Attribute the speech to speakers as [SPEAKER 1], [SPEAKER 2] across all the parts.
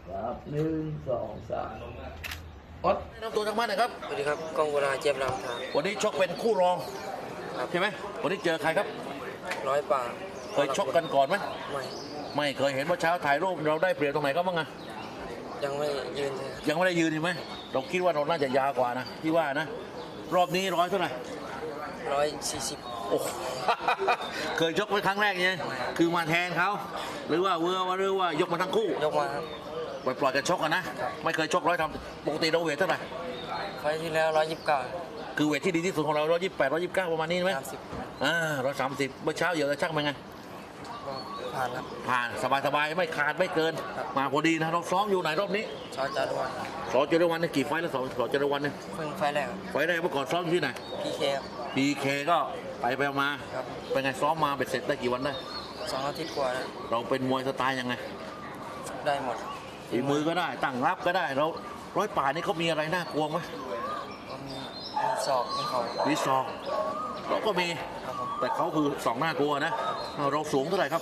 [SPEAKER 1] ครับ1 2 3
[SPEAKER 2] ออสแนะนำตัวทางบ้านหน่อยครับ
[SPEAKER 3] สวัสดีครับกองกุลาเจี๊ยบรามทาง
[SPEAKER 2] วันนี้ชกเป็นคู่รองใช่ไหมวันนี้เจอใครครับ
[SPEAKER 3] ร้อยป่า
[SPEAKER 2] เคยชกกันก่อนไหม
[SPEAKER 3] ไม่
[SPEAKER 2] ไม่เคยเห็นว่าเช้าถ่ายรูปเราได้เปรียบตรงไหนก็บ้างอะ
[SPEAKER 3] ยังไม่ยืนเลย
[SPEAKER 2] ยังไม่ได้ยืนใช่ไหมเราคิดว่าเราน่าจะยาวกว่านะที่ว่านะรอบนี้ร้อยเท่าไหร่
[SPEAKER 3] 140
[SPEAKER 2] โอ้โห เคยชกไว้ครั้งแรกไงคือมาแทนเขาหรือว่ายกมาทั้งคู่
[SPEAKER 3] ยกมาครับ
[SPEAKER 2] ปล่อยกันชกกันนะไม่เคยชกร้อยทำปกติเราเวทเท่าไหร่
[SPEAKER 3] ไฟล์ที่แล้ว129
[SPEAKER 2] คือเวทที่ดีที่สุดของเรา128 129ประมาณนี้ไหม
[SPEAKER 3] 30
[SPEAKER 2] 130เมื่อเช้าเหยอะช่างเป็นไง
[SPEAKER 3] ก็ผ่านครับ
[SPEAKER 2] ผ่านสบายไม่ขาดไม่เกิน มาพอดีนะเราซ้อมอยู่ไหนรอบนี้
[SPEAKER 3] ชอจารุวัน
[SPEAKER 2] สอเจริญวันนี่กี่ไฟล์แล้วสอเจริญวันเนี่ย
[SPEAKER 3] เพิ่งไฟล์แรกครับ
[SPEAKER 2] ไฟล์แรกเมื่อก่อนซ้อมอยู่ที่ไหน
[SPEAKER 3] PK ครับ
[SPEAKER 2] PK ก็ไปมา
[SPEAKER 3] ครับ
[SPEAKER 2] เป็นไงซ้อมมาเบ็ดเสร็จได้กี่วันได้
[SPEAKER 3] 2 อาทิตย์กว่าแล้ว
[SPEAKER 2] เราเป็นมวยสไตล์ยังไง
[SPEAKER 3] ได้หมด
[SPEAKER 2] ฝีมือก็ได้ตั้งรับก็ได้เราร้อยป่านี่เขามีอะไรน่ากลัวไหม
[SPEAKER 3] ก็มีศอกมีเขา
[SPEAKER 2] วิซองเราก็มี
[SPEAKER 3] ครับผม
[SPEAKER 2] แต่เขาคือสองหน้ากลัวนะเราสูงเท่าไหร่ครับ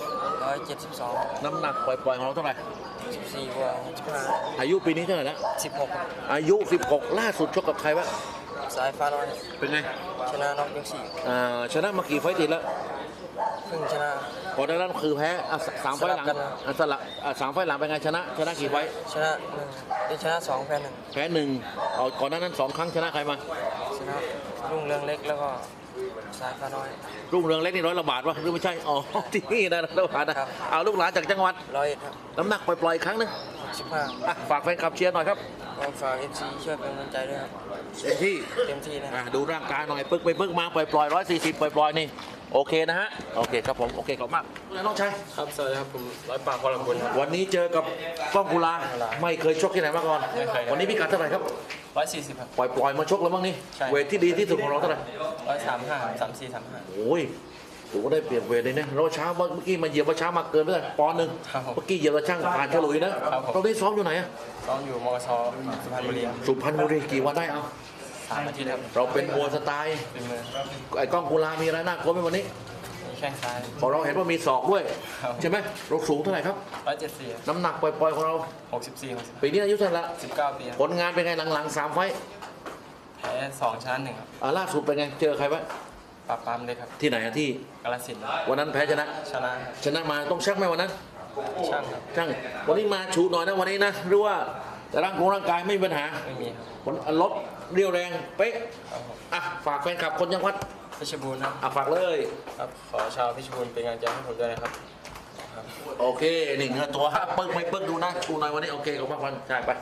[SPEAKER 3] 172
[SPEAKER 2] น้ำหนักปล่อยๆของเราเท่าไหร่
[SPEAKER 3] 14กว่า65
[SPEAKER 2] อายุปีนี้เท่าไหร่แล้ว
[SPEAKER 3] 16ครับ
[SPEAKER 2] อายุ 16 ล่าสุดชกกับใครวะ
[SPEAKER 3] สายฟ้าน้อย
[SPEAKER 2] เป็นไง
[SPEAKER 3] ชนะน็อกยก
[SPEAKER 2] ชนะมากี่ไฟต์ติดแล้ว
[SPEAKER 3] 4เพิ่งชนะ
[SPEAKER 2] พอได้นั้นคือแพ้สามไฟล์หลัง
[SPEAKER 3] สลับกันนะ
[SPEAKER 2] สลับสามไฟล์หลังเป็นไงชนะกี่ไฟต์
[SPEAKER 3] ชนะ1ได้ชนะ2แพ้1
[SPEAKER 2] แพ้หนึ่งเอาก่อนหน้านั้น2 ครั้งชนะใครมา
[SPEAKER 3] ชนะรุ่งเรืองเล็กแล้วก็สายฟ้าน้อย
[SPEAKER 2] รุ่งเรืองเล็กนี่100 ละบาทวะหรือไม่ใช่อ๋อ ที่นี่นะ100 ละบาทนะครับ เอาลูกหลานจากจังหวัด
[SPEAKER 3] 101ครับ
[SPEAKER 2] น้ำหนักปล่อยๆอีกครั้งหนึง
[SPEAKER 3] 65
[SPEAKER 2] อ่ะฝากแฟนคลับเชียร์หน่อยครับ
[SPEAKER 3] ก็ฝาก FC ช่วยเป็นกำลังใจด้วยครับ
[SPEAKER 2] เต็มที่
[SPEAKER 3] เต็มที่นะ
[SPEAKER 2] ดูร่างกายหน่อยปึ๊กไปปึ๊กมาปล่อย140ปล่อยนี่โอเคนะฮะโอเคครับผมโอเคขอบคุณมากน้องชาย
[SPEAKER 3] ครับสวัสดีครับผมร้อยปากพลังบุญครับ
[SPEAKER 2] วันนี้เจอกับก้องกุลาไม่เคยชกที่ไหนมาก่อน
[SPEAKER 3] ไม่เคยครับ
[SPEAKER 2] วันนี้พิกัดเท่าไหร่ครับ
[SPEAKER 3] 140ครับ
[SPEAKER 2] ปล่อยมาชกแล้วมั้งนี่
[SPEAKER 3] ใช่
[SPEAKER 2] เวทที่ดีที่สุดของเราเท่าไหร่
[SPEAKER 3] 135 34 35
[SPEAKER 2] โอ้ยถือว่าได้เปรียบเวทเลยนะเราเช้าเมื่อกี้มาเหยียบว่าเช้ามาเกินไปเลยปอนด์หนึ่ง
[SPEAKER 3] ครับผม
[SPEAKER 2] เมื่อกี้เหยียบแล้วช่างผ่านฉลุยนะครับ
[SPEAKER 3] ผม
[SPEAKER 2] ตอนนี้ซ้อมอยู่ไหนอะ
[SPEAKER 3] ซ้อมอยู่มกชสุพรรณบุรีครับ
[SPEAKER 2] สุพรรณบุรีกี่วันได้เอา
[SPEAKER 3] 3 อาทิตย์ครับ
[SPEAKER 2] เราเป็นมวยสไตล์
[SPEAKER 3] เป็นมือ
[SPEAKER 2] ไอ้ก้องกุลามีอะไรน่ากลัวไหมวันนี้
[SPEAKER 3] มีแข้งซ้าย
[SPEAKER 2] พอเราเห็นว่ามีศอกด้วย
[SPEAKER 3] ครับ
[SPEAKER 2] ใช่ไหมเราสูงเท่าไหร่ครับ
[SPEAKER 3] 174
[SPEAKER 2] น้ำหนักปล่อยๆของเรา
[SPEAKER 3] 64
[SPEAKER 2] ปีนี้อายุเท่าไหร่ละ
[SPEAKER 3] 19 ปีครับ
[SPEAKER 2] ผลงานเป็นไงหลังๆ3 ไฟต์
[SPEAKER 3] แพ้2ชนะ1ครับ
[SPEAKER 2] ล่าสุดเป็นไงเจอใครวะ
[SPEAKER 3] ปราบปรามเลยครับ
[SPEAKER 2] ที่ไหนอะที่
[SPEAKER 3] กาฬสินธุ์
[SPEAKER 2] วันนั้นแพ้ชนะ
[SPEAKER 3] ชนะ
[SPEAKER 2] ชนะมาต้องชักไหมวันนั้น
[SPEAKER 3] ช่างครับ
[SPEAKER 2] ช่างวันนี้มาชูหน่อยนะวันนี้นะหรือว่าแต่ร่างกายไม่มีปัญหา
[SPEAKER 3] ไม่มีครับ
[SPEAKER 2] ผลลดเรียวแรงเป๊ะ
[SPEAKER 3] ครับผม
[SPEAKER 2] อ่ะฝากแฟนคลับคนยังวัด
[SPEAKER 3] เพชรบูรณ์ครับ
[SPEAKER 2] อ่ะฝากเลย
[SPEAKER 3] ครับขอชาวเพชรบูรณ์เป็นกำลังใจให้ผมด้วยนะครับ
[SPEAKER 2] โอเคนี่เนื้อตัวปึ๊กไม่ปึ๊กดูนะชูหน่อยวันนี้โอเคขอบคุณใช่ไป